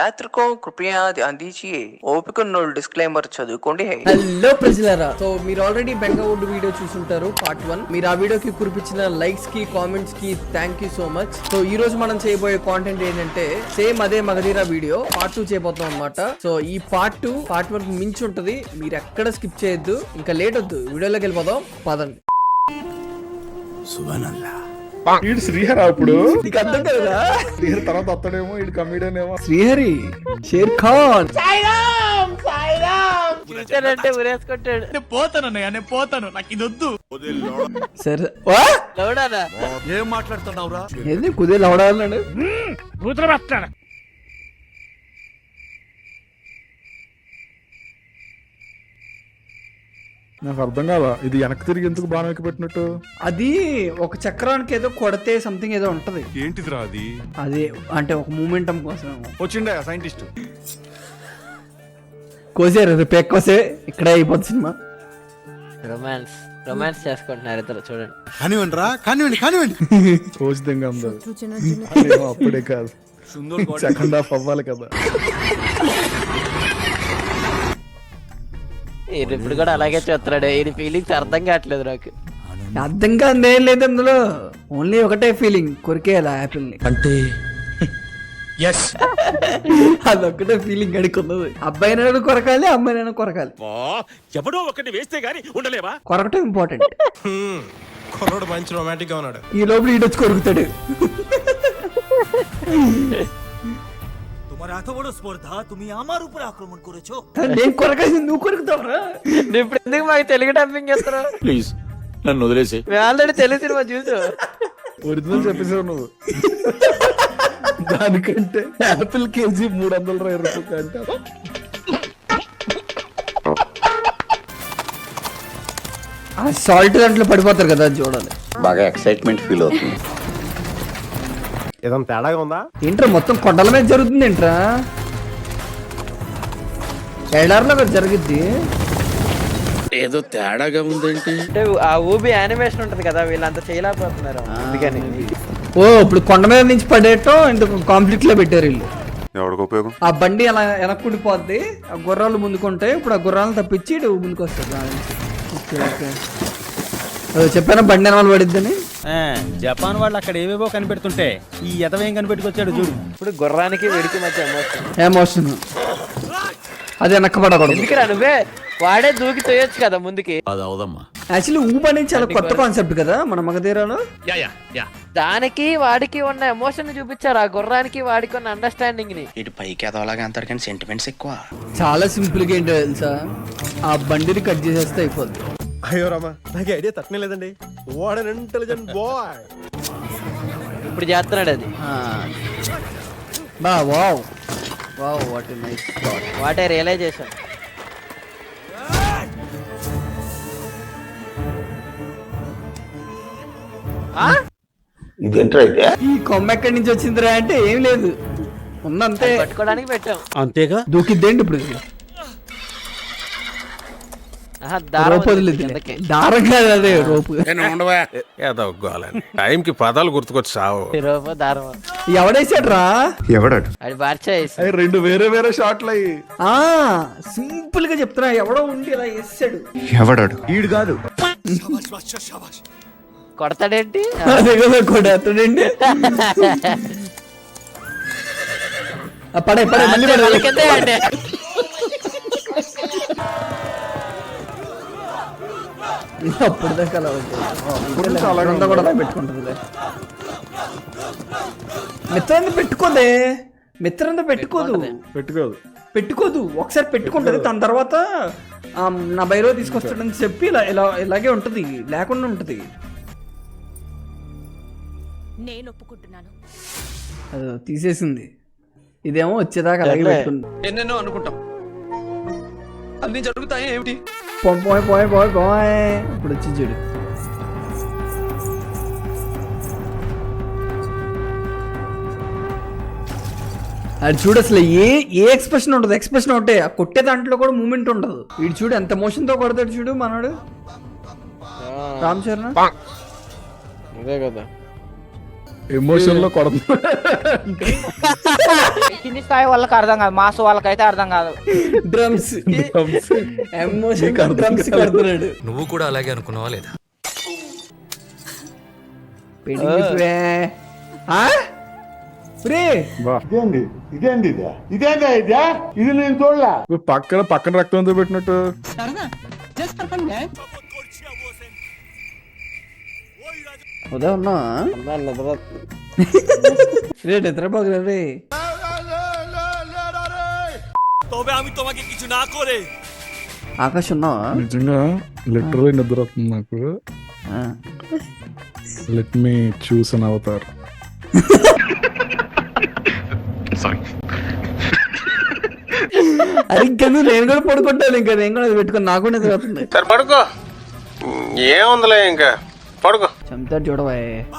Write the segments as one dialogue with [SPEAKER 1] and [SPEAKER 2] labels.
[SPEAKER 1] को कृपया ध्यान दीजिए ఓపిక ఉన్నోళ్ళు డిస్క్లైమర్ చదువుకోండి.
[SPEAKER 2] హలో ప్రజలారా, సో మీరు ఆల్రెడీ బెంగవుడ్ వీడియో చూసుంటారు పార్ట్ 1. మీరు ఆ వీడియోకి కురిపించిన లైక్స్ కి కామెంట్స్ కి thank you so much. So ఈ రోజు మనం చేయబోయే కాంటెంట్ ఏంటంటే సేమ్ అదే మగధీరా వీడియో పార్ట్ 2 చేయబోతాం అన్నమాట. సో ఈ పార్ట్ 2 పార్ట్ 1 మించి ఉంటది, మీరు ఎక్కడ స్కిప్ చేయొద్దు. ఇంకా లేట్ వద్దు, వీడియోలోకి వెళ్ళిపోదాం పదండి.
[SPEAKER 3] వీడు శ్రీహరి అప్పుడు
[SPEAKER 2] నీకు అర్థం కదా,
[SPEAKER 3] శ్రీహరి తర్వాత వస్తాడేమో, వీడు కమిడియన్ ఏమో.
[SPEAKER 2] శ్రీహరి షేర్ ఖాన్
[SPEAKER 4] అంటే ఉరేసుకుంటాడు. పోతాను నాకు ఇది వద్దు.
[SPEAKER 2] సరే
[SPEAKER 5] ఏం మాట్లాడుతున్నావురా?
[SPEAKER 2] ఏంది కుదే లవడాలన్నాడు.
[SPEAKER 3] నాకు అర్థం కాదా, ఇది వెనక్కి తిరిగి ఎందుకు బాణం ఎక్కి పెట్టినట్టు?
[SPEAKER 2] అది ఒక చక్రానికి ఏదో కొడితే సంథింగ్ ఏదో ఉంటది.
[SPEAKER 5] ఏంటిదిరా అది?
[SPEAKER 2] అది అంటే ఒక మూమెంటం కోసం
[SPEAKER 5] వచ్చిండే సైంటిస్ట్.
[SPEAKER 2] కోసారు రేపు కోసే ఇక్కడే అయిపోతుంది సినిమా.
[SPEAKER 4] రొమాన్స్ చేసుకుంటున్నారు ఇద్దరు, చూడండి.
[SPEAKER 5] కానివ్వండి రా, కానివ్వండి.
[SPEAKER 3] రోజుదంగా ఉందో అప్పుడే కాదు, సెకండ్ హాఫ్ అవ్వాలి కదా.
[SPEAKER 4] ఇప్పుడు కూడా అలాగే చూస్తున్నాడు. ఈ ఫీలింగ్స్ అర్థం కావట్లేదు నాకు.
[SPEAKER 2] అర్థం కాదు ఏం లేదు అందులో, ఓన్లీ ఒకటే ఫీలింగ్, కొరికేయాలి యాపిల్ ని
[SPEAKER 5] అంటే
[SPEAKER 2] అదొక్కటే ఫీలింగ్ అడుకున్నది. అబ్బాయినైనా కొరకాలి, అమ్మాయినైనా కొరకాలి.
[SPEAKER 6] ఎవడో ఒకటి వేస్తే గానీ ఉండలేవా?
[SPEAKER 2] కొరకటం ఇంపార్టెంట్.
[SPEAKER 6] కుర్రోడు మంచి రొమాంటిక్ గా ఉన్నాడు.
[SPEAKER 2] ఈ లోపల ఈడొచ్చి కొరుకుతాడు. నేను కొరకాల్సింది నువ్వు కొరుకుతావురా.
[SPEAKER 4] ఇప్పుడు ఎందుకు మాకు తెలుగు డబ్బింగ్ చేస్తారు?
[SPEAKER 6] ప్లీజ్ నన్ను వదిలేసి.
[SPEAKER 4] మేము ఆల్రెడీ తెలుగు సినిమా చూసాం.
[SPEAKER 3] ఒరిజినల్ చెప్పేసావు నువ్వు. దానికంటే యాపిల్ కేజీ 320 రూపాయలు అంటే
[SPEAKER 2] ఆ సాల్ట్ దాంట్లో పడిపోతారు కదా, అది చూడాలి.
[SPEAKER 7] బాగా ఎక్సైట్మెంట్ ఫీల్ అవుతుంది.
[SPEAKER 5] ఏదైనా తేడాగా ఉందా?
[SPEAKER 2] ఏంట్రా మొత్తం కొండల మీద జరుగుతుంది ఏంట్రా? ఎడార్లో జరుగుద్ది.
[SPEAKER 6] ఏదో తేడాగా ఉందేంటి?
[SPEAKER 4] అంటే ఆ ఊబి యానిమేషన్ ఉంటది కదా, వీళ్ళంతా చేయలేకపోతున్నారు అందుకని.
[SPEAKER 2] ఓ ఇప్పుడు కొండ మీద నుంచి పడేయటం ఇందుకు కాంప్లీట్ లో పెట్టారు వీళ్ళు.
[SPEAKER 7] ఎవరికి ఉపయోగం?
[SPEAKER 2] ఆ బండి అలా వెనక్కుడిపోద్ది, ఆ గుర్రాలు ముందుకుంటాయి. ఇప్పుడు ఆ గుర్రాలను తప్పించి ఇటు ముందుకు వస్తుంది. ఓకే ఓకే, చెప్పాను బండి వాళ్ళు పడిద్దని.
[SPEAKER 8] జపాన్ వాళ్ళు అక్కడ ఏవేవో కనిపెడుతుంటే ఈ ఎతవేం కనిపెట్టుకొచ్చాడు చూడు.
[SPEAKER 4] ఇప్పుడు గుర్రానికి వెడికి మధ్య ఎమోషన్.
[SPEAKER 2] ఏమోషన్ అది వెనక్కబడకూడదు.
[SPEAKER 4] ఎందుకురా నువ్వే వాడే దూకి తోయొచ్చు కదా ముందుకి.
[SPEAKER 6] అది అవదమ్మా.
[SPEAKER 2] యాక్చువల్లీ ఊబ్ అనేది చాలా కొత్త కాన్సెప్ట్ కదా మన మగధీరాలో.
[SPEAKER 4] దానికి వాడికి ఉన్న ఎమోషన్ చూపించారు, ఆ గుర్రానికి వాడికి ఉన్న అండర్స్టాండింగ్ ని.
[SPEAKER 1] ఇటు పైకి ఎదవలాగా అంటారు కానీ సెంటిమెంట్స్ ఎక్కువ.
[SPEAKER 2] చాలా సింపుల్ గా ఏంటో తెలుసా, ఆ బండిని కట్ చేసేస్తే అయిపోద్ది.
[SPEAKER 5] అయ్యో రామా, నాకు ఐడియా తక్కువ లేదండి. What an intelligent boy.
[SPEAKER 4] ఇప్పుడు చేస్తున్నాడు అది.
[SPEAKER 2] Wow wow, what a nice thought.
[SPEAKER 4] What a realisation.
[SPEAKER 2] ఈ కొమ్మ ఎక్కడి నుంచి వచ్చిందిరా అంటే ఏం లేదు, ఉన్నంతే
[SPEAKER 4] పట్టుకోవడానికి పెట్టాం
[SPEAKER 8] అంతేగా.
[SPEAKER 2] దూకిద్దేంటి ఇప్పుడు. రోపు వదిలేదు, దారం కాదు అదే రోపు.
[SPEAKER 6] టైం కి పదాలు గుర్తుకొచ్చి సావు.
[SPEAKER 4] దారం
[SPEAKER 2] ఎవడేసాడు రా?
[SPEAKER 7] ఎవడాడు?
[SPEAKER 4] అది బార్చేసి
[SPEAKER 3] అవి రెండు వేరే వేరే షాట్లు అయ్యి.
[SPEAKER 2] సింపుల్ గా చెప్తున్నా, ఎవడో ఉండి ఇలా వేసాడు.
[SPEAKER 7] ఎవడాడు?
[SPEAKER 5] ఈడు కాదు.
[SPEAKER 4] కొడతాడేంటి?
[SPEAKER 2] అదే కదా కొడతాడండి. పడే పడే మళ్ళీ పడే. అప్పుడు దాకా అలా ఉంటుంది కూడా అలా పెట్టుకుంటుంది. మిత్రంతో పెట్టుకోదే, మిత్రంతో పెట్టుకోదు ఒకసారి పెట్టుకుంటది. తన తర్వాత నా బైరో తీసుకొస్తాడని చెప్పి ఇలా ఇలా ఇలాగే ఉంటది, లేకుండా ఉంటది.
[SPEAKER 9] నేను ఒప్పుకుంటున్నాను.
[SPEAKER 2] అది తీసేసింది, ఇదేమో వచ్చేదాకా అలాగే పెట్టుకుంది.
[SPEAKER 1] ఎన్నెన్నో అనుకుంటాం, అన్ని జరుగుతాయి ఏమిటి?
[SPEAKER 2] పోయ్ పోయ్ పోయ్ పోయ్, ఇప్పుడు వచ్చి చూడు. అది చూడు, అసలు ఏ ఎక్స్ప్రెషన్ ఉండదు. ఎక్స్ప్రెషన్ ఒకటే, ఆ కొట్టే దాంట్లో కూడా మూమెంట్ ఉండదు. వీడు చూడు ఎంత మోషన్ తో కొడతాడు చూడు మనోడు. రామ్ చరణ్
[SPEAKER 4] ఇదే కదా
[SPEAKER 3] ఎమోషన్ లో కొడుతున్నా.
[SPEAKER 8] కింది స్థాయి వాళ్ళకి అర్థం కాదు, మాస్ వాళ్ళకైతే అర్థం కాదు.
[SPEAKER 2] డ్రమ్స్ ఎమోషన్ డ్రమ్స్ కొడుతున్నాడు.
[SPEAKER 10] నువ్వు కూడా అలాగే అనుకున్నావా లేదా?
[SPEAKER 3] పక్కన రక్తంతో పెట్టినట్టు.
[SPEAKER 2] ఉదయం ఉన్నా রে নিদ্রাবাগ রে
[SPEAKER 10] তবে আমি তোমাকে কিছু না করে
[SPEAKER 2] ఆకాశ్ ఉన్నావా?
[SPEAKER 3] నిజంగా లిటరలీ నిద్ర వస్తుంది నాకు. Let me choose an avatar.
[SPEAKER 2] అరే ఇంకా నేను కూడా పడుకుంటాను. ఇంకా నేను కూడా పెట్టుకుని నాకు నిద్ర వస్తుంది.
[SPEAKER 6] సరే పడుకో, ఏముందిలే ఇంకా పడుకో.
[SPEAKER 2] చంపుతాడు చూడవా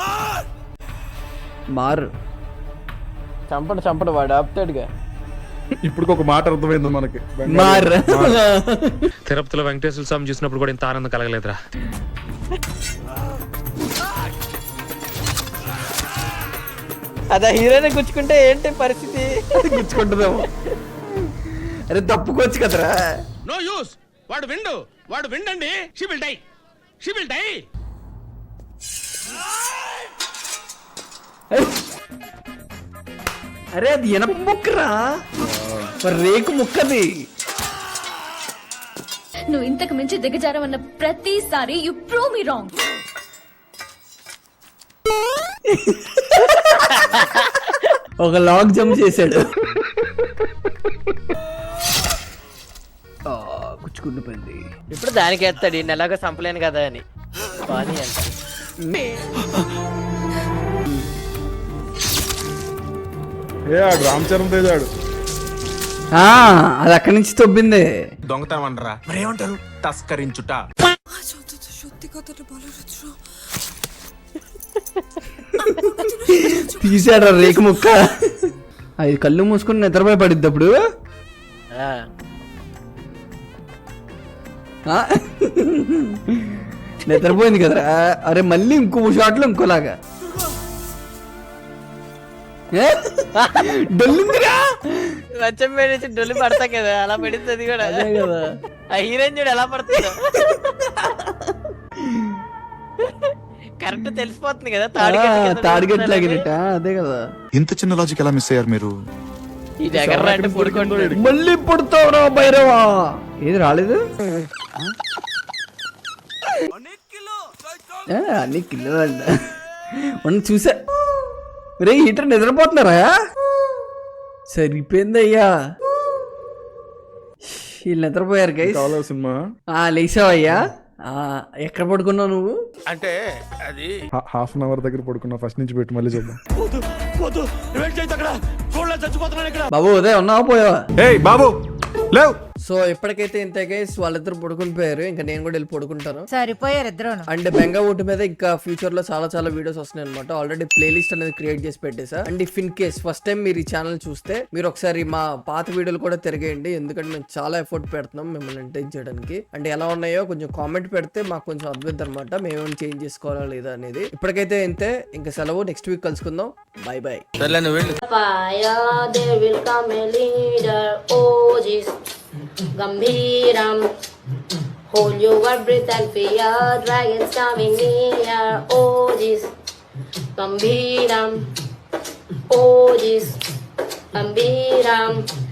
[SPEAKER 2] మారు చంపడు వాడు ఆపుతాడుగా.
[SPEAKER 3] ఇప్పుడు ఒక మాట అర్థమైంది మనకి.
[SPEAKER 2] మార్
[SPEAKER 10] తిరుపతిలో వెంకటేశ్వర స్వామి చూసినప్పుడు కూడా ఇంత ఆనందం కలగలేదురా.
[SPEAKER 2] అదే హీరోని గుచ్చుకుంటే ఏంటి పరిస్థితి? గుచ్చుకుంటుందేమో. అరే తప్పుకోవచ్చు కదరా.
[SPEAKER 6] నో యూస్, వాడు విండండి. She will die.
[SPEAKER 2] అరే అది ఎనప ముక్కరా, రేకు ముక్కది.
[SPEAKER 9] నువ్వు ఇంతకు మించి దిగజారవన్న ప్రతిసారి యు ప్రూవ్ మీ రాంగ్.
[SPEAKER 2] ఒక లాగ్ జంప్ చేశాడు. గుచ్చుకుండిపోయింది.
[SPEAKER 4] ఇప్పుడు దానికి ఎత్తాడు, ఈ నెలగా చంపలేను కదా అని. బాని అంట
[SPEAKER 3] రామ్ చరణ్ తేజాడు.
[SPEAKER 2] అది అక్కడి నుంచి తొబ్బింది.
[SPEAKER 6] దొంగతనం అనరా మరేమంటారు, తస్కరించుట.
[SPEAKER 2] తీసాడు రేకు ముక్క. అది కళ్ళు మూసుకుని నిద్రపోయి పడిద్ది అప్పుడు. నిద్రపోయింది కదరా. అరే మళ్ళీ ఇంకో షాట్లో ఇంకోలాగా డొల్లిందిరా.
[SPEAKER 4] మంచం పెట్టి డొల్లి పడతా కదా, అలా పెడుతుంది కూడా.
[SPEAKER 2] అదే కదా
[SPEAKER 4] ఆ హీరోయిన్ చూడు ఎలా పడుతుందో. కరెక్ట్ తెలిసిపోతుంది కదా
[SPEAKER 2] తాడిగట్టు లాగినట్ట. అదే కదా.
[SPEAKER 7] ఇంత చిన్న లాజిక్ ఎలా మిస్ అయ్యారు మీరు?
[SPEAKER 4] ఈ దగ్గర అంటే పడుకుంటాడు.
[SPEAKER 2] మళ్ళీ పుడతావురా భైరవా. ఏది రాలేదు అన్ని కిలో అంట చూసా. రే హీటర్ నిద్రపోతున్నారా? సరిపోయిందయ్యా, వీళ్ళు నిద్రపోయారు గైస్.
[SPEAKER 3] సినిమా
[SPEAKER 2] లేచావయ్యా. ఎక్కడ పడుకున్నావు నువ్వు?
[SPEAKER 6] అంటే అది
[SPEAKER 3] హాఫ్ అన్ అవర్ దగ్గర పడుకున్నా. ఫస్ట్ నుంచి పెట్టి మళ్ళీ చూద్దాం.
[SPEAKER 2] బాబు ఉదయం ఉన్నావా పోయావా?
[SPEAKER 6] ఏయ్ బాబు లేవ్.
[SPEAKER 2] సో ఎప్పటికైతే ఇంత గైస్ వాళ్ళిద్దరు పడుకుని పోయారు. ఇంకా నేను కూడా వెళ్ళి పడుకుంటాను.
[SPEAKER 9] సరిపోయారు ఇద్దరు.
[SPEAKER 2] అండ్ బెంగా ఊటి మీద ఇంకా ఫ్యూచర్ లో చాలా వీడియోస్ వస్తున్నాయి అనమాట. ఆల్రెడీ ప్లేలిస్ట్ అనేది క్రియేట్ చేసి పెట్టేసా. And if in case first time మీరు ఈ ఛానల్ చూస్తే మీరు ఒకసారి మా పాత వీడియోలు కూడా తిరిగేయండి. ఎందుకంటే మేము చాలా ఎఫర్ట్ పెడుతున్నాం మిమ్మల్ని ఎంటర్టైన్ చేయడానికి. అండ్ ఎలా ఉన్నాయో కొంచెం కామెంట్ పెడితే మాకు కొంచెం అద్భుతం అనమాట, మేమేమైనా చేంజ్ చేసుకోవాలా లేదా అనేది. ఇప్పటికైతే ఇంతే, ఇంకా సెలవు. నెక్స్ట్ వీక్ కలుసుకుందాం. Bye bye.
[SPEAKER 9] Gambiram, hold your breath and fear dragons coming near. Oh, this Gambiram, oh, this Gambiram.